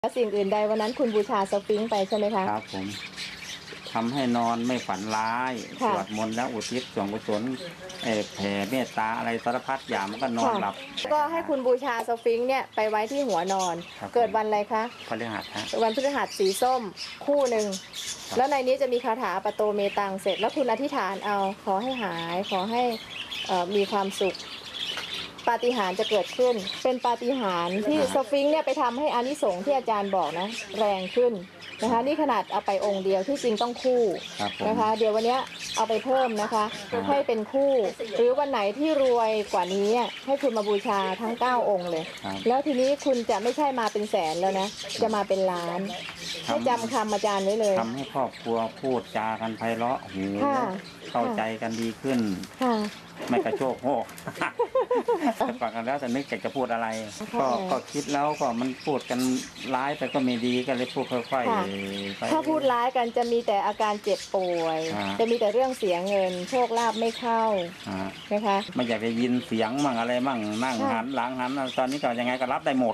แล้วสิ่งอื่นใดวันนั้นคุณบูชาสฟิงค์ไปใช่ไหมคะครับผมทำให้นอนไม่ฝันร้ายสวดมนต์แล้วอุทิศส่วนกุศลแผ่เมตตาอะไรสารพัดอย่างมันก็นอนหลับก็ให้คุณบูชาสฟิงค์เนี่ยไปไว้ที่หัวนอนเกิดวันอะไรคะพฤหัสฮะวันพฤหัสสีส้มคู่หนึ่งแล้วในนี้จะมีคาถาปโตเมตังเสร็จแล้วคุณอธิษฐานเอาขอให้หายขอให้มีความสุขปาฏิหาริย์จะเกิดขึ้นเป็นปาฏิหาริย์ที่สฟิงค์เนี่ยไปทำให้อานิสงส์ที่อาจารย์บอกนะแรงขึ้นนะคะนี่ขนาดเอาไปองค์เดียวที่จริงต้องคู่นะคะเดี๋ยววันนี้เอาไปเพิ่มนะคะให้เป็นคู่หรือวันไหนที่รวยกว่านี้ให้คุณมาบูชาทั้ง9องค์เลยแล้วทีนี้คุณจะไม่ใช่มาเป็นแสนแล้วนะจะมาเป็นล้านให้จำคำอาจารย์ไว้เลยทำให้ครอบครัวพูดจากันไพเราะหูเข้าใจกันดีขึ้นไม่กระโชกโหกฟังกันแล้วแต่นึกอยากจะพูดอะไรก็คิดแล้วก็มันพูดกันร้ายไปก็ไม่ดีก็เลยพูดค่อยๆไปถ้าพูดร้ายกันจะมีแต่อาการเจ็บป่วยจะมีแต่เรื่องเสียเงินโชคลาภไม่เข้านะคะไม่อยากจะยินเสียงมั่งอะไรมั่งนั่งหันหลังหันตอนนี้ก็ยังไงก็รับได้หมด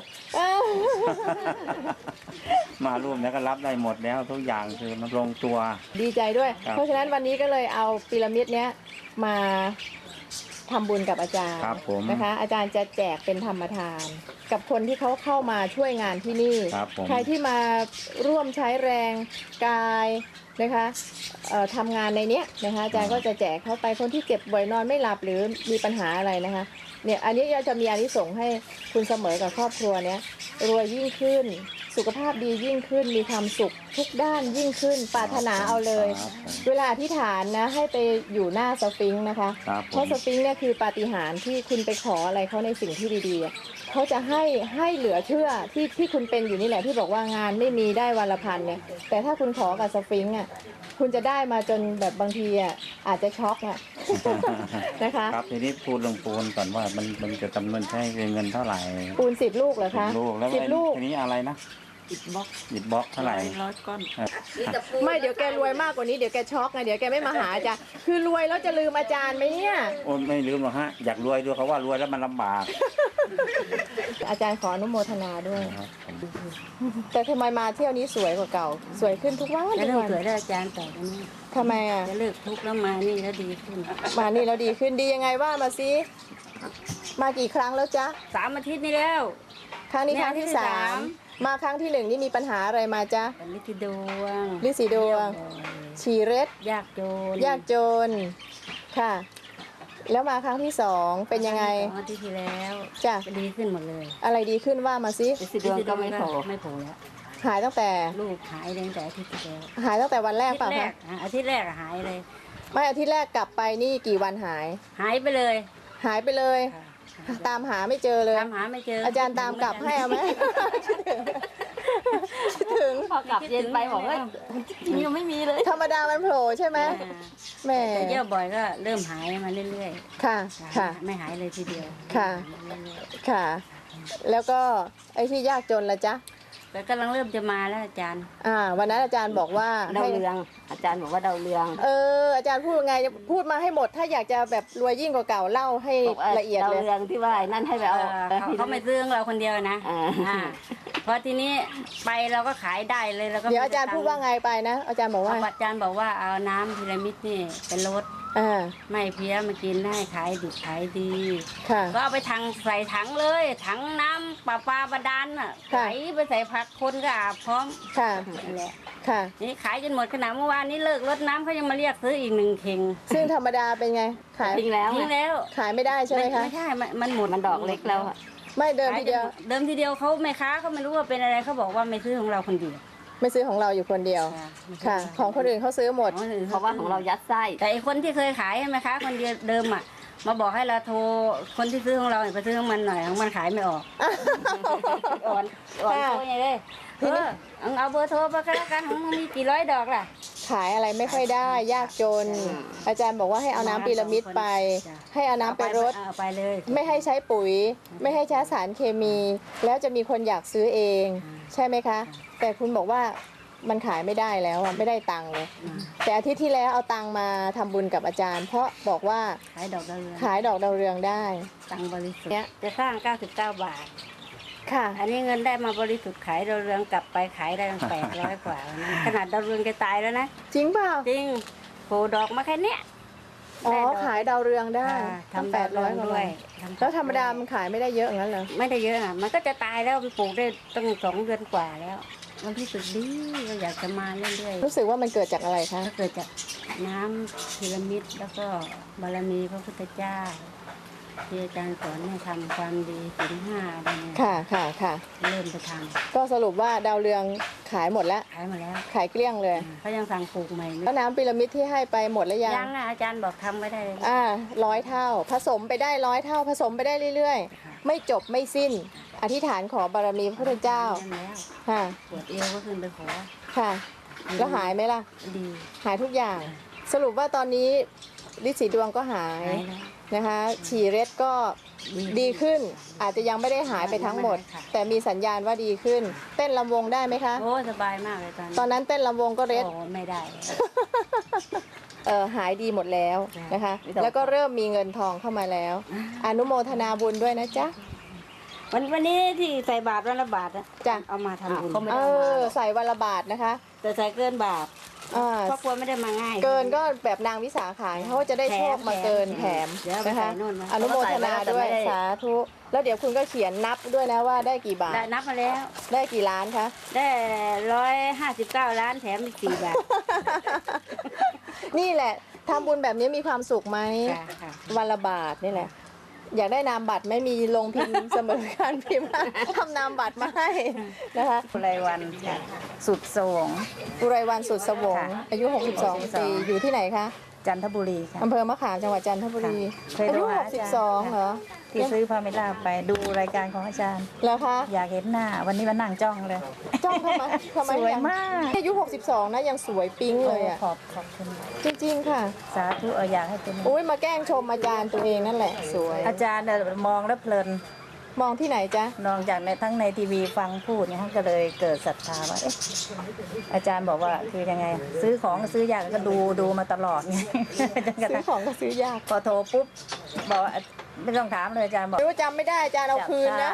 มาร่วมแล้วก็รับได้หมดแล้วทุกอย่างคือมันลงตัวดีใจด้วยเพราะฉะนั้นวันนี้ก็เลยเอาพีระมิดเนี้ยมาทำบุญกับอาจารย์นะคะอาจารย์จะแจกเป็นธรรมทานกับคนที่เขาเข้ามาช่วยงานที่นี่ใครที่มาร่วมใช้แรงกายนะคะทำงานในเนี้ยนะคะอาจารย์ก็จะแจกเข้าไปคนที่เจ็บบ่อยนอนไม่หลับหรือมีปัญหาอะไรนะคะเนี่ยอันนี้จะมีอานิสงส์ให้คุณเสมอกับครอบครัวเนี้ยรวยยิ่งขึ้นสุขภาพดียิ่งขึ้นมีความสุขทุกด้านยิ่งขึ้นปรารถนาเอาเลยเวลาอธิษฐานนะให้ไปอยู่หน้าสฟิงค์นะคะเพราะสฟิงค์เนี่ยคือปาฏิหาริย์ที่คุณไปขออะไรเขาในสิ่งที่ดีๆเขาจะให้เหลือเชื่อที่คุณเป็นอยู่นี่แหละที่บอกว่างานไม่มีได้วันละพันเนี่ยแต่ถ้าคุณขอกับสฟิงค์คุณจะได้มาจนแบบบางทีอาจจะช็อกนะคะครับทีนี้พูดเรื่องปูนก่อนว่ามันจะจำนวนใช้เงินเท่าไหร่ปูน10 ลูกเหรอคะ 10 ลูกแล้ว 10 ลูกทีนี้อะไรนะอิฐบล็อกเท่าไหร่ 100 ก้อนไม่เดี๋ยวแกรวยมากกว่านี้เดี๋ยวแกช็อกไงเดี๋ยวแกไม่มาหาอาจารย์คือรวยแล้วจะลืมอาจารย์ไหมเนี่ยโอ้ไม่ลืมหรอกฮะอยากรวยด้วยเขาว่ารวยแล้วมันลำบากอาจารย์ขออนุโมทนาด้วยแต่ทำไมมาเที่ยวนี้สวยกว่าเก่าสวยขึ้นทุกวันจะเลิกสวยได้อาจารย์ต่อไปนี้ทำไมจะเลิกทุกข์แล้วมานี่แล้วดีขึ้นมานี่แล้วดีขึ้นดียังไงว่ามาซิมากี่ครั้งแล้วจ๊ะ 3 อาทิตย์นี่แล้วครั้งนี้ครั้งที่3มาครั้งที่1นี่มีปัญหาอะไรมาจ๊ะลิซิดวงฉี่เร็ดยากจนค่ะแล้วมาครั้งที่2เป็นยังไงอาทิตย์ที่แล้วจ้ะดีขึ้นหมดเลยอะไรดีขึ้นว่ามาซิลิซิดวงก็ไม่โผล่แล้วหายตั้งแต่ลูกหายตั้งแต่อาทิตย์ที่แล้วหายตั้งแต่วันแรกป่ะคะอาทิตย์แรกหายเลยไม่อาทิตย์แรกกลับไปนี่กี่วันหายไปเลยตามหาไม่เจอเลยตามหาไม่เจออาจารย์ตามกลับให้เอาไหมถึงพอกลับเย็นไปบอกว่ายังไม่มีเลยธรรมดามันโผล่ใช่ไหมแม่เยอะบ่อยก็เริ่มหายมาเรื่อยๆค่ะไม่หายเลยทีเดียวค่ะแล้วก็ไอ้ที่ยากจนละจ๊ะแต่กำลังเริ่มจะมาแล้วอาจารย์วันนั้นอาจารย์บอกว่าดาวเรืองอาจารย์บอกว่าดาวเรืองอาจารย์พูดไงพูดมาให้หมดถ้าอยากจะแบบรวยยิ่งกว่าเก่าเล่าให้ละเอียดเลยดาวเรืองที่ว่านั่นให้ไปเอาเขาไม่ซื้อเราคนเดียวนะพอทีนี้ไปเราก็ขายได้เลยแล้วก็เดี๋ยวอาจารย์พูดว่าไงไปนะอาจารย์บอกว่าเอาน้ำพีระมิดนี่เป็นรถไม่เพี้ยมากินได้ขายดิบขายดีก็เอาไปใส่ถังเลยถังน้ำปลาบาดาลใส่ไปใส่ผักคนก็อาบพร้อมนั่นแหละนี่ขายจนหมดขนาดเมื่อวานนี้เลิกรดน้ำเขายังมาเรียกซื้ออีก1 เข่งซึ่งธรรมดาเป็นไงขายทิ้งแล้วขายไม่ได้ใช่ไหมคะไม่ใช่มันหมดมันดอกเล็กแล้วไม่เดิมทีเดียวเขาแม่ค้าเขาไม่รู้ว่าเป็นอะไรเขาบอกว่าไม่ซื้อของเราคนเดียวไม่ซื้อของเราอยู่คนเดียวค่ะของคนอื่นเขาซื้อหมดเพราะว่าของเรายัดไส้แต่คนที่เคยขายใช่ไหมคะคนเดียวเดิมมาบอกให้เราโทรคนที่ซื้อของเราไปซื้อของมันหน่อยของมันขายไม่ออกอ่อนโทรยังไงเอาเบอร์โทรไปก็แล้วกันของมีกี่100 ดอกล่ะขายอะไรไม่ค่อยได้ยากจนอาจารย์บอกว่าให้เอาน้ำพีระมิดไปให้เอาน้ำไปรดไปเลยไม่ให้ใช้ปุ๋ยไม่ให้ใช้สารเคมีแล้วจะมีคนอยากซื้อเองใช่ไหมคะแต่คุณบอกว่ามันขายไม่ได้แล้วไม่ได้ตังค์เลยแต่อาทิตย์ที่แล้วเอาตังค์มาทำบุญกับอาจารย์เพราะบอกว่าขายดอกดาวเรืองได้ตังค์บริสุทธิ์จะสร้าง99 บาทค่ะอันนี้เงินได้มาบริสุทธิ์ขายดาวเรืองกลับไปขายได้ตั้ง800 กว่านะขนาดดาวเรืองจะตายแล้วนะจริงเปล่าจริงโผล่ดอกมาแค่เนี้ยอ๋อได้ดอกขายดาวเรืองได้ค่ะตั้งทำดาวเรือง 800 ด้วยแล้วธรรมดามันขายไม่ได้เยอะอย่างนั้นเหรอไม่ได้เยอะอ่ะมันก็จะตายแล้วมันปลูกได้ตั้ง2 เดือนกว่าแล้ว มันรู้สึกดีก็อยากจะมาเรื่อยๆรู้สึกว่ามันเกิดจากอะไรคะก็เกิดจากน้ำพีระมิดแล้วก็บารมีพระพุทธเจ้าที่อาจารย์สอนให้ทำความดีศีล5อะไรเนี่ยค่ะค่ะค่ะเริ่มไปทก็สรุปว่าดาวเรืองขายหมดแล้วำขายมาแล้วขายเกลี้ยงเลยเขายังสั่งปลูกใหม่แล้วน้ำพีระมิดที่ให้ไปหมดแล้วยังยังอ่ะอาจารย์บอกทำไม่ได้เลย 100 เท่า ผสมไปได้100 เท่า ผสมไปได้เรื่อยๆ ไม่จบไม่สิ้น อธิษฐานขอบารมีพระพุทธเจ้าทำแล้วค่ะปวดเอวก็ขึ้นไปขอค่ะ แล้วหายไหมล่ะดีหายทุกอย่าง สรุปว่าตอนนี้ฤทธิ์สีดวงก็หายหายแล้วนะคะ ฉี่เร็ดก็ดีขึ้น อาจจะยังไม่ได้หายไปทั้งหมด แต่มีสัญญาณว่าดีขึ้น เต้นลำวงได้ไหมคะโอ้สบายมากเลยตอนนั้นเต้นลำวงก็เร็ดโอ้ไม่ได้หายดีหมดแล้วนะคะ แล้วก็เริ่มมีเงินทองเข้ามาแล้ว อนุโมทนาบุญด้วยนะจ๊ะวันนี้ที่ใส่บาตรวันละบาทอะจ้ะเอามาทำบุญใส่วันละบาทนะคะแต่ใส่เกินบาทอ่าครอบครัวไม่ได้มาง่ายเกินก็แบบนางวิสาขายเขาจะได้โชคมาเกินแถมเดี๋ยวเอาไปนะคะใส่นู่นนะอนุโมทนาด้วยเขาก็ใส่ไว้แล้วแต่ไม่ได้สาธุแล้วเดี๋ยวคุณก็เขียนนับด้วยนะว่าได้กี่บาทได้นับมาแล้วได้กี่ล้านคะได้159 ล้านแถมอีก4 บาทนี่แหละทำบุญแบบนี้มีความสุขไหมค่ะวันละบาทนี่แหละ อยากได้นามบัตรไม่มีลงพิมพ์ เสมอการพิมพ์ทำนามบัตรมาให้นะคะอุไรวันสุดสวงอุไรวันสุดสวงค่ะอายุ 62 ปีอยู่ที่ไหนคะจันทบุรีค่ะอำเภอมะขามจังหวัดจันทบุรีค่ะเคยอาโทรยุหาอาจารย์ 62เหรอที่ซื้อพาเมล่าไปดูรายการของอาจารย์แล้วคะอยากเห็นหน้า วันนี้มานั่งจ้องเลยจ้องทำไมสวยงมากอายุ 62 นะยังสวยปิ๊งเลยอ่ะขอบคุณจริงๆค่ะสาธุอยากให้เป็นอุ้ยมาแกล้งชมอาจารย์ตัวเองนั่นแหละ สวยอาจารย์เนี่ยมองแล้วเพลินมองที่ไหนจ๊ะนอกจากในทั้งในทีวีฟังพูดเนี่ยก็เลยเกิดศรัทธาว่าเอ๊ะอาจารย์บอกว่าคือยังไง ซื้อของซื้อยากก็ดูมาตลอดไง จนกระซื้ทั่อง ของก็ซื้อยากพอโทรปุ๊บบอกว่าไม่ต้องถามเลยอาจารย์บอกไม่ว่าจำไม่ได้อาจารย์เอาคืนนะ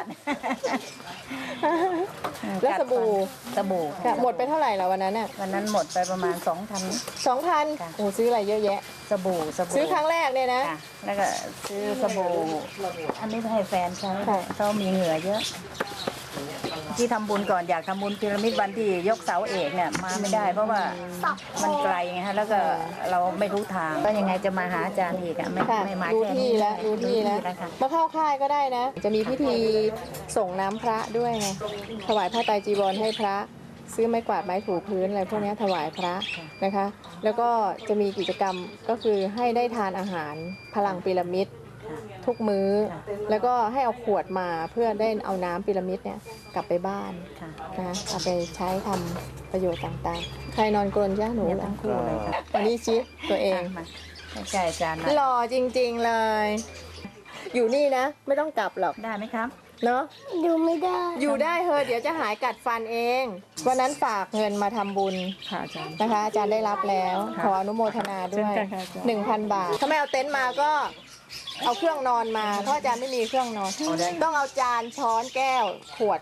แล้วสบู่สบู่ค่ะหมดไปเท่าไหร่แล้ววันนั้นน่ะวันนั้นหมดไปประมาณ 2,000 2,000 ค่ะโอ้ซื้ออะไรเยอะแยะสบู่ซื้อครั้งแรกเนี่ยนะค่ะแล้วก็ซื้อสบู่อันนี้ให้แฟนใช้ค่ะเขามีเหงื่อเยอะ ที่ทำบุญก่อนอยากทำบุญพีระมิดวันที่ยกเสาเอกเนี่ยมาไม่ได้ เพราะว่ามันไกลไงฮะแล้วก็เราไม่รู้ทางก็ยังไงจะมาหาอาจารย์อีกอะไม่ค่ะไม่มารู้แค่ที่นี้แล้วรู้ที่แล้วค่ะมาเข้าค่ายก็ได้นะ จะมีพิธีส่งน้ำพระด้วยไงถวายผ้าไตรจีวรให้พระ ซื้อไม้กวาดไม้ถูพื้นอะไรพวกนี้ถวายพระนะคะ แล้วก็จะมีกิจกรรมก็คือให้ได้ทานอาหารพลังพีระมิดทุกมื้อ แล้วก็ให้เอาขวดมาเพื่อได้เอาน้ำพีระมิดเนี่ยกลับไปบ้านค่ะนะเอาไปใช้ทำประโยชน์ต่างๆ ใครนอนกรนจ้าหนูเนี่ยทั้งคู่เลยค่ะวันนี้ชิตัวเองมาใกล้ๆอาจารย์หน่อยหล่อจริงๆเลย อยู่นี่นะ ไม่ต้องกลับหรอกได้ไหมครับเนาะอยู่ไม่ได้อยู่ได้เฮ้เดี๋ยวจะหายกัดฟันเอง วันนั้นฝากเงินมาทำบุญค่ะอาจารย์นะคะ อาจารย์ได้รับแล้ว ขออนุโมทนาด้วยเช่นกันค่ะอาจารย์ 1,000 บาท ถ้าไม่เอาเต็นท์มาก็เอาเครื่องนอนมาเพราะอาจารย์ไม่มีเครื่องนอน ต้องเอาจานช้อนแก้วขวด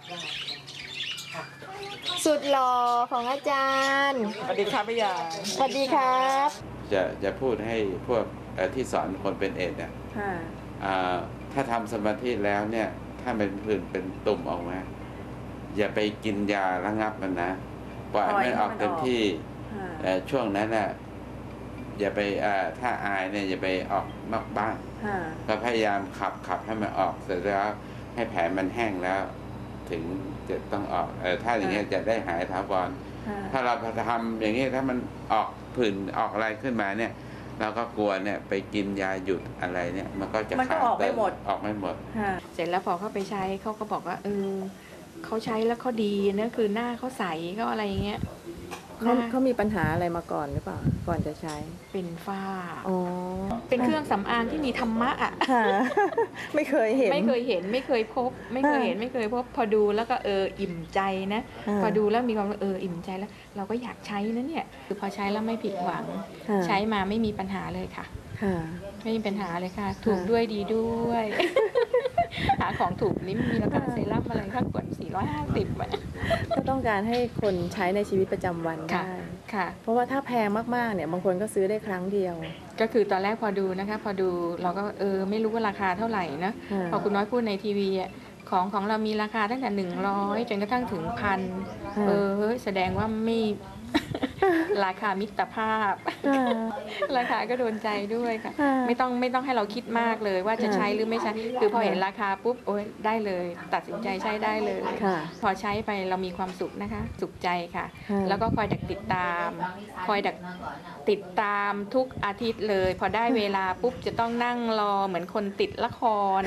สุดหล่อของอาจารย์สวัสดีครับพี่ยาสวัสดีครับจะพูดให้พวกที่สอนคนเป็นเอดส์เนี่ยค่ะถ้าทำสมาธิแล้วเนี่ย ถ้าเป็นผื่นเป็นตุ่มออกมาอย่าไปกินยาระงับมันนะปล่อยให้มันออกเต็มที่ช่วงนั้นน่ะอย่าไปถ้าอายเนี่ยอย่าไปออกนอกบ้านก็พยายามขับให้มันออกเสร็จแล้วให้แผลมันแห้งแล้ว ถึงจะต้องออกถ้าอย่างเงี้ยจะได้หายถาวรถ้าเราทำอย่างนี้ถ้ามันออกผื่นออกอะไรขึ้นมาเนี่ย เราก็กลัวเนี่ยไปกินยาหยุดอะไรเนี่ย มันก็จะมันก็ออกไม่หมดออกไม่หมดเสร็จแล้วพอเขาไปใช้เขาก็บอกว่าเขาใช้แล้วเขาดีนะคือหน้าเขาใสเขาอะไรอย่างเงี้ยหน้าเขามีปัญหาอะไรมาก่อนหรือเปล่า ก่อนจะใช้เป็นฝ้าอ๋อเป็นเครื่องสำอางที่มีธรรมะอ่ะค่ะ ไม่เคยเห็นไม่เคยเห็นไม่เคยพบ ไม่เคยเห็นไม่เคยพบ พอดูแล้วก็อิ่มใจนะ พอดูแล้วมีความอิ่มใจแล้ว เราก็อยากใช้นะเนี่ยคือพอใช้แล้วไม่ผิดหวังค่ะใช้มาไม่มีปัญหาเลยค่ะค่ะไม่มีปัญหาเลยค่ะ ถูกด้วยดีด้วยหาของถูกนี่มีราคาเซรั่มอะไรข้างขวด450 ก็ต้องการให้คนใช้ในชีวิตประจำวันได้ค่ะเพราะว่าถ้าแพงมากๆเนี่ยบางคนก็ซื้อได้ครั้งเดียวก็คือตอนแรกพอดูนะคะพอดูเราก็ไม่รู้ว่าราคาเท่าไหร่นะพอคุณน้อยพูดในทีวีของเรามีราคาตั้งแต่100จนกระทั่งถึง1,000แสดงว่าไม่ราคามิตรภาพราคาก็โดนใจด้วยค่ะไม่ต้องให้เราคิดมากเลยว่าจะใช้หรือไม่ใช้คือพอเห็นราคาปุ๊บโอ๊ยได้เลยตัดสินใจใช้ได้เลยพอใช้ไปเรามีความสุขนะคะสุขใจค่ะแล้วก็คอยติดตามทุกอาทิตย์เลยพอได้เวลาปุ๊บจะต้องนั่งรอเหมือนคนติดละคร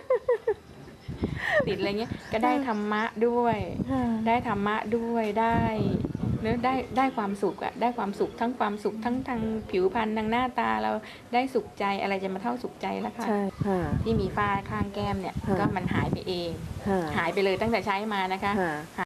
ติดอะไรเงี้ยก็ได้ธรรมะด้วยได้ความสุขได้ความสุขทั้งความสุขทั้งทางผิวพรรณทางหน้าตาเราได้สุขใจอะไรจะมาเท่าสุขใจแล้วค่ะที่มีฝ้าข้างแก้มเนี่ยก็มันหายไปเองหายไปเลยตั้งแต่ใช้มานะคะ